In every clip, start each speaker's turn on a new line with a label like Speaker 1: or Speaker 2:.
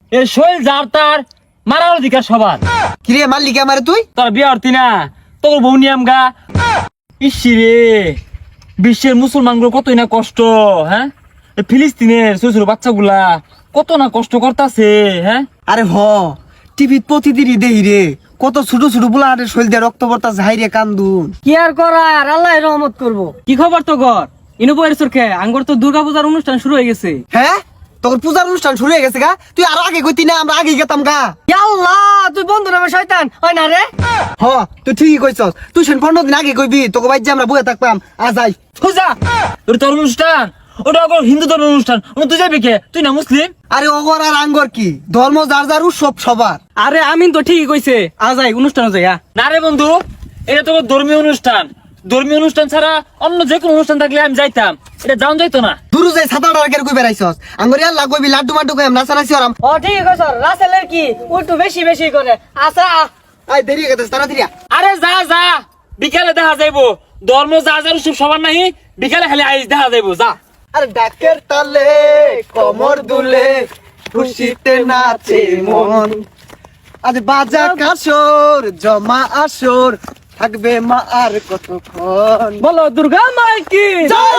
Speaker 1: এ শৈল যার তার মারার অধিকার সবার।
Speaker 2: কিরে মারলি কে আমারে তুই?
Speaker 1: তোর বিয়ে হরতি না, তোর বউ নিয়াম গা। ইসি রে, বিশ্বের মুসলমানগুলো কতই না কষ্ট, হ্যাঁ? ফিলিস্তিনের ছোট ছোট বাচ্চাগুলা কত না কষ্ট করতেছে, হ্যাঁ?
Speaker 2: আরে টিভিত প্রতিদিনই দেই রে, কত ছোট ছোট বুলা হাটের শৈল দিয়ে রক্ত পড়তা যাই রে কান্দুন।
Speaker 3: কি আর করার, আল্লাহ রহমত করবো। কি খবর তো ঘর ইনো বইয়ের চোখে আঙ্গর তো দুর্গাপূজার অনুষ্ঠান শুরু হয়ে গেছে।
Speaker 2: হ্যাঁ, তোর পূজার অনুষ্ঠান শুরু হয়ে গেছে গা? তুই আরো আগে কইতি না, আমরা আগে গেতাম গা।
Speaker 3: আল্লাহ, তুই বন্ধু নামে শয়তান হয় না রে?
Speaker 2: তুই ঠিকই কইছস, তুই সেন 15 দিন আগে কইবি তোকে বাইর যে আমরা বইয়া থাকতাম। আজাই
Speaker 1: সোজা তোর অনুষ্ঠান, ওটা হিন্দু ধর্মের অনুষ্ঠান, তুই যাবি কে? তুই না মুসলিম?
Speaker 2: আরে অগর আর আঙ্গর কি, ধর্ম যার যার উৎসব সবার।
Speaker 3: আরে আমিন তো ঠিকই কইছে, আজাই অনুষ্ঠান যাই।
Speaker 1: না রে বন্ধু, এটা তো ধর্মীয় অনুষ্ঠান। ধর্মীয় অনুষ্ঠান ছাড়া অন্য যে কোনো অনুষ্ঠান থাকলে আমি যাইতাম, এটা যাওয়া যাইতো না।
Speaker 2: দুরু যাই সাতাটা আগে কই বেড়াইছস, আঙ্গর আল্লাহ কইবি লাড্ডু মাড্ডু কইম নাচানাচি আরাম।
Speaker 3: ও ঠিক কইছ, রাসেলের কি একটু বেশি বেশি করে। আচ্ছা
Speaker 2: আই দেরি হয়ে গেছে তাড়াতাড়ি আ।
Speaker 1: আরে যা যা, বিকালে দেখা যাইবো। ধর্ম যা যার উৎসব সবার নাই, বিকালে খালি আইস দেখা যাইবো, যা।
Speaker 2: আরে ডাকের তালে কমর দুলে খুশিতে নাচে মন, আজ বাজা কাসর জমা আসর থাকবে মা আর কতক্ষণ।
Speaker 3: বলো দুর্গা মাই কি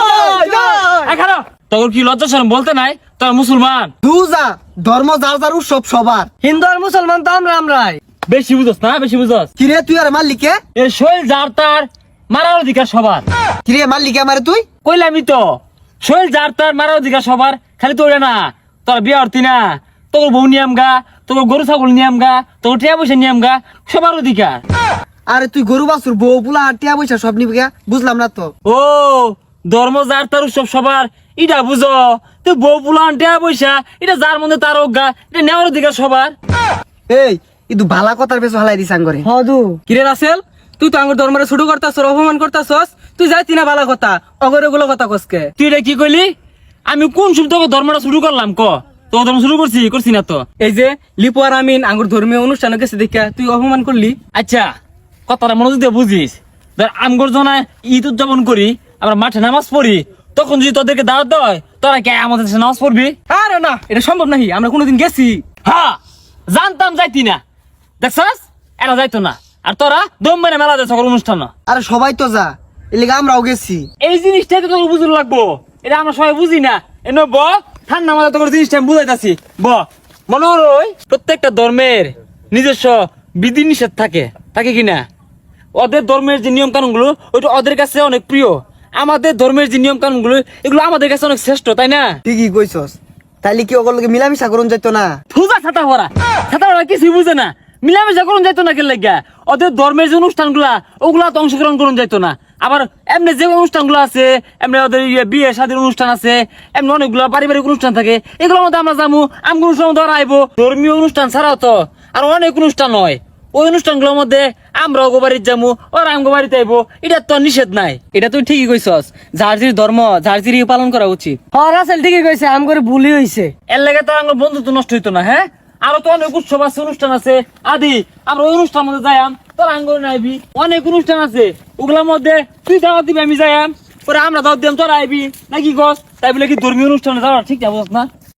Speaker 1: এখানে তোর কি লজ্জা শরম বলতে নাই? তোর মুসলমান।
Speaker 2: দুজা ধর্ম যার যার উৎসব সবার।
Speaker 3: হিন্দু আর মুসলমান তো আমরাই।
Speaker 1: বেশি বুঝস না, বেশি বুঝস।
Speaker 2: কিরে তুই আর মাল্লিকে?
Speaker 1: এ শৈল যার তার মারার অধিকার সবার।
Speaker 2: কিরে মাল্লিকে আমারে তুই?
Speaker 1: কইলামই তো, শৈল যার তার মারার অধিকার সবার। খালি তোর না, তোর বিয়ে হরতি না, তোর বউ নিয়াম গা, তোর গরু ছাগল নিয়াম গা, তোর টিয়া পয়সা নিয়াম গা, সবার অধিকার।
Speaker 2: আরে তুই গরু বাছুর বউ বুলা টিয়া পয়সা সব নিবি গা? বুঝলাম না তো।
Speaker 1: ও ধর্ম যার তার উৎসব সবার, এটা বুঝো? তুই বউ পুলান টিয়া পয়সা, এটা যার মধ্যে তার অজ্ঞা, এটা নেওয়ার অধিকার সবার।
Speaker 2: এই কিন্তু ভালা কথার বেশ হালাই দিস আঙ্গরে।
Speaker 3: হদু কিরে রাসেল, তুই তো আঙ্গুর ধর্মের শুরু করতাছস, অপমান করতাছস। তুই যাইতি না বালা কথা, অগরে কথা কসকে।
Speaker 1: তুই এটা কি কইলি? আমি কোন শুরু তোকে ধর্মটা শুরু করলাম? ক তোর ধর্ম শুরু করছি না তো।
Speaker 3: এই যে লিপু আর আমিন আঙ্গুর ধর্মীয় অনুষ্ঠানে গেছে দেখা তুই অপমান করলি।
Speaker 1: আচ্ছা, কথাটা মনোযোগ দিয়ে বুঝিস। ধর আমগর জনায় ঈদ উদযাপন করি, আমরা মাঠে নামাজ পড়ি, তখন যদি তোদেরকে দাওয়াত দেয়, তোরা কে আমাদের সাথে নামাজ পড়বি?
Speaker 3: আরে না, এটা সম্ভব নাহি, আমরা কোনোদিন গেছি।
Speaker 1: হ্যাঁ, জানতাম যাইতি না। দেখছাস, এরা যাইতো না। আর তোরা দম মেরে মেলা দেয় সকল অনুষ্ঠান।
Speaker 2: আরে সবাই তো যা, এলিগা আমরাও গেছি।
Speaker 1: এই জিনিসটাই তো তোর বুঝতে লাগবো, এটা আমরা সবাই বুঝি না। এনে ব ঠান্ডা মাথা তোর জিনিসটা আমি বুঝাইতাছি। মনে হলো প্রত্যেকটা ধর্মের নিজস্ব বিধি নিষেধ থাকে, থাকে কিনা? ওদের ধর্মের যে নিয়ম কানুন গুলো, ওইটা ওদের কাছে অনেক প্রিয়। আমাদের ধর্মের যে নিয়ম কানুন গুলো, এগুলো আমাদের কাছে অনেক শ্রেষ্ঠ, তাই না?
Speaker 2: ঠিকই কইছস। তাইলে কি ওগুলোকে মিলামিশা করুন যাইতো না?
Speaker 1: ফুজা ছাতা ভরা কিছুই বুঝে না। মিলামেশা করুন যাইতো না, কেন লাগিয়া? ওদের ধর্মের যে অনুষ্ঠান গুলা, ওগুলা তো অংশগ্রহণ করুন যাইতো না। আবার এমনি যে অনুষ্ঠান গুলো আছে, এমনি ওদের বিয়ে শাদীর অনুষ্ঠান আছে, এমনি অনেকগুলো পারিবারিক অনুষ্ঠান থাকে, এগুলোর মধ্যে আমরা যাবো। আমি অনুষ্ঠান মধ্যে আইবো। ধর্মীয় অনুষ্ঠান ছাড়াও তো আর অনেক অনুষ্ঠান হয়। ওই অনুষ্ঠানগুলোর মধ্যে আমরা ওগো বাড়িতে যাবো, ওরা আমগো বাড়িতে আইবো। এটা তো নিষেধ নাই।
Speaker 3: এটা তুই ঠিকই কইছস, জার্জির ধর্ম জার্জির পালন করা উচিত। হ্যাঁ রাসেল ঠিকই কইছে, আম করে ভুলই হইছে।
Speaker 1: এর লেগে তো আমার বন্ধুত্ব নষ্ট হইতো না। হ্যাঁ, আরো তো অনেক উৎসব আছে, অনুষ্ঠান আছে আদি। আমরা ওই অনুষ্ঠান মধ্যে যাইম, তোর আঙ্গুর নাইবি। অনেক অনুষ্ঠান আছে, ওগুলোর মধ্যে তুই দাওয়াত দিবি, আমি যাইম। পরে আমরা দাওয়াত দিলাম, তোর আইবি নাকি গছ। তাই বলে কি ধর্মীয় অনুষ্ঠানে যাওয়া ঠিক না? বুঝছ না?